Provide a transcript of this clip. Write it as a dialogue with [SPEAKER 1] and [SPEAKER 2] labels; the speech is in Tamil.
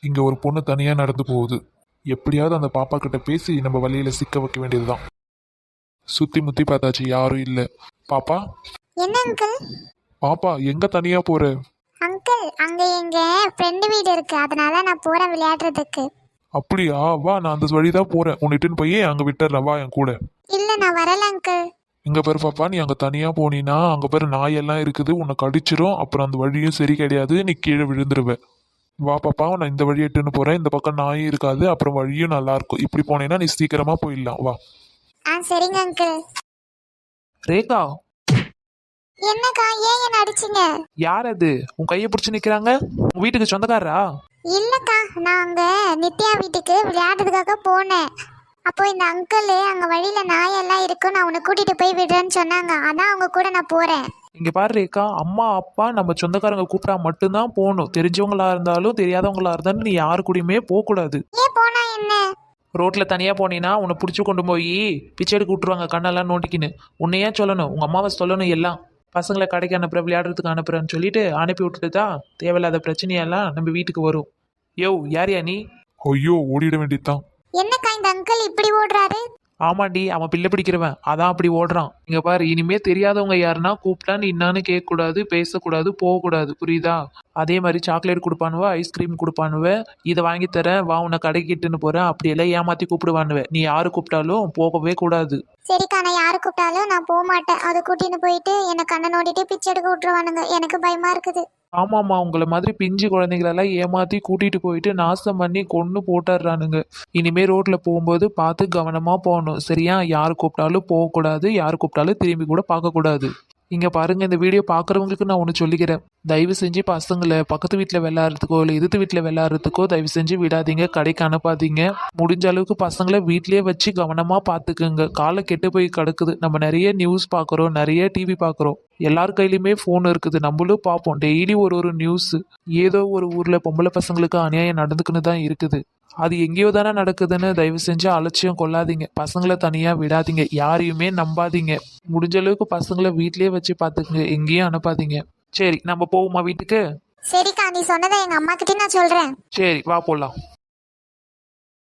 [SPEAKER 1] இங்க ஒரு பொண்ணு தனியா நடந்து போகுது. எப்படியாவது அந்த பாப்பா கிட்ட பேசி நம்ம வழியில சிக்க வைக்க வேண்டியதுதான். சுத்தி முத்தி பார்த்தாச்சு, யாரும் இல்ல. பாப்பா,
[SPEAKER 2] என்ன அங்கிள்?
[SPEAKER 1] பாப்பா எங்க தனியா போற?
[SPEAKER 2] அங்கிள், அங்க எங்க ஃப்ரெண்டு வீடு இருக்கு, அதனால நான் போறேன் விளையாடுறதுக்கு.
[SPEAKER 1] அப்படியா, வா, நான் அந்த வழிதான் போறேன். உன்னிட்டுன்னு போய் அங்க விட்டுறேன், வா என் கூட.
[SPEAKER 2] இல்ல, நான் வரல அங்கிள்.
[SPEAKER 1] இங்க பாரு பாப்பா, நீ அங்க தனியா போனீன்னா அங்க பாரு நாயெல்லாம் இருக்குது, உன்னை கடிச்சிரும். அப்புறம் அந்த வழியும் சரி கிடையாது, நீ கீழே விழுந்துருவ. வா பாப்பா, நான் இந்த வழி எட்டுன்னு போறேன். இந்த பக்கம் நாயும் இருக்காது, அப்புறம் வழியும் நல்லா இருக்கும். இப்படி போனேன்னா நீ சீக்கிரமா போயிடலாம், வா.
[SPEAKER 2] சரிங்க அங்கிள்.
[SPEAKER 3] ரேகா,
[SPEAKER 2] என்னக்கா, ஏன் என்ன அடிச்சீங்க?
[SPEAKER 3] யார் அது உன் கையை பிடிச்சி நிக்கிறாங்க? உன் வீட்டுக்கு சொந்தக்காரரா?
[SPEAKER 2] இல்லக்கா, நான் அங்க நித்யா வீட்டுக்கு விளையாடுறதுக்காக போனேன். அப்போ இந்த அங்கிள் அங்க வழியில நாயெல்லாம் இருக்கும், நான் உன்னை கூட்டிட்டு போய் விடுறேன்னு சொன்னாங்க. அதான் அவங்க கூட நான் போறேன்.
[SPEAKER 3] இங்க பாரு ரேகா, அம்மா அப்பா நம்ம சொந்தக்காரங்க கூப்பிட்டா மட்டும்தான் போகணும். தெரிஞ்சவங்களா இருந்தாலும் தெரியாதவங்களா இருந்தாலும் நீ யாரு கூடயுமே போக கூடாது.
[SPEAKER 2] ஏன் போனா என்ன?
[SPEAKER 3] ரோட்ல தனியா போனீங்கன்னா உன்னை பிடிச்சி கொண்டு போய் பிச்சை எடுக்க விட்டுருவாங்க, கண்ணெல்லாம் நோண்டிக்கின்னு. உன்னையே சொல்லணும், உங்க அம்மாவை சொல்லணும். எல்லாம் பசங்களை கடைக்கு அனுப்புற, விளையாடுறதுக்கு அனுப்புறேன்னு சொல்லிட்டு அனுப்பி விட்டுட்டு தான் தேவையில்லாத பிரச்சனையெல்லாம் நம்ம வீட்டுக்கு வரும். யோ, யாரியா நீ?
[SPEAKER 1] ஐயோ, ஓடிட வேண்டியதுதான்.
[SPEAKER 2] என்னக்கா, இந்த அங்கிள் இப்படி ஓடுறாரு?
[SPEAKER 3] ஆமாண்டி, அவன் பிள்ளை பிடிக்கிறவன், அதான் அப்படி ஓடுறான். இங்க பாரு, இனிமே தெரியாதவங்க யாருன்னா கூப்பிட்டா நீ என்னான்னு கேட்கக்கூடாது, பேசக்கூடாது, போகக்கூடாது, புரியுதா? அதே மாதிரி சாக்லேட் கொடுப்பானுவ, ஐஸ்கிரீம் கொடுப்பானுவ, இதை வாங்கி தரேன் வா உன்னை கடைக்கிட்டுன்னு போறேன், அப்படியெல்லாம் ஏமாத்தி கூப்பிடுவானுவ. நீ யாரு கூப்பிட்டாலும் போகவே கூடாது.
[SPEAKER 2] சரிக்கா, நான் யாரு கூப்பிட்டாலும் நான் போக மாட்டேன். அதை கூட்டின்னு போயிட்டு என்னை கண்ணை நோண்டிட்டு பிச்சை எடுக்க விட்டுருவானுங்க. எனக்கு பயமா இருக்குது.
[SPEAKER 3] ஆமாம்மா, உங்களை மாதிரி பிஞ்சு குழந்தைங்களெல்லாம் ஏமாத்தி கூட்டிட்டு போயிட்டு நாசம் பண்ணி கொன்று போட்டுடுறானுங்க. இனிமே ரோட்ல போகும்போது பார்த்து கவனமா போகணும், சரியா? யார் கூப்பிட்டாலும் போகக்கூடாது, யார் கூப்பிட்டாலும் திரும்பி கூட பார்க்கக்கூடாது. இங்க பாருங்க, இந்த வீடியோ பார்க்குறவங்களுக்கு நான் ஒன்று சொல்லிக்கிறேன். தயவு செஞ்சு பசங்களை பக்கத்து வீட்டில் விளையாடுறதுக்கோ இல்லை எதிர்த்து வீட்டில் விளையாடுறதுக்கோ தயவு செஞ்சு விடாதீங்க, கடைக்கு அனுப்பாதீங்க. முடிஞ்ச அளவுக்கு பசங்களை வீட்லேயே வச்சு கவனமாக பார்த்துக்குங்க. காலை கெட்டு போய் கிடக்குது. நம்ம நிறைய நியூஸ் பார்க்குறோம், நிறைய டிவி பார்க்குறோம், எல்லார் கையிலையுமே ஃபோன் இருக்குது, நம்மளும் பார்ப்போம் டெய்லி ஒரு நியூஸ். ஏதோ ஒரு ஊரில் பொம்பளை பசங்களுக்கு அநியாயம் நடந்துக்குன்னு தான் இருக்குது. அது எங்கேயோ தானே நடக்குதுன்னு தயவு செஞ்சு அலட்சியம் கொள்ளாதீங்க. பசங்களை தனியாக விடாதீங்க, யாரையுமே நம்பாதீங்க. முடிஞ்ச அளவுக்கு பசங்களை வீட்லேயே வச்சு பார்த்துக்குங்க, எங்கேயும் அனுப்பாதீங்க. சரி, நம்ம போவோமா வீட்டுக்கு?
[SPEAKER 2] சரிக்கா, நீ சொன்னதை எங்க அம்மா கிட்ட நான் சொல்றேன்.
[SPEAKER 3] சரி, வா போலாம்.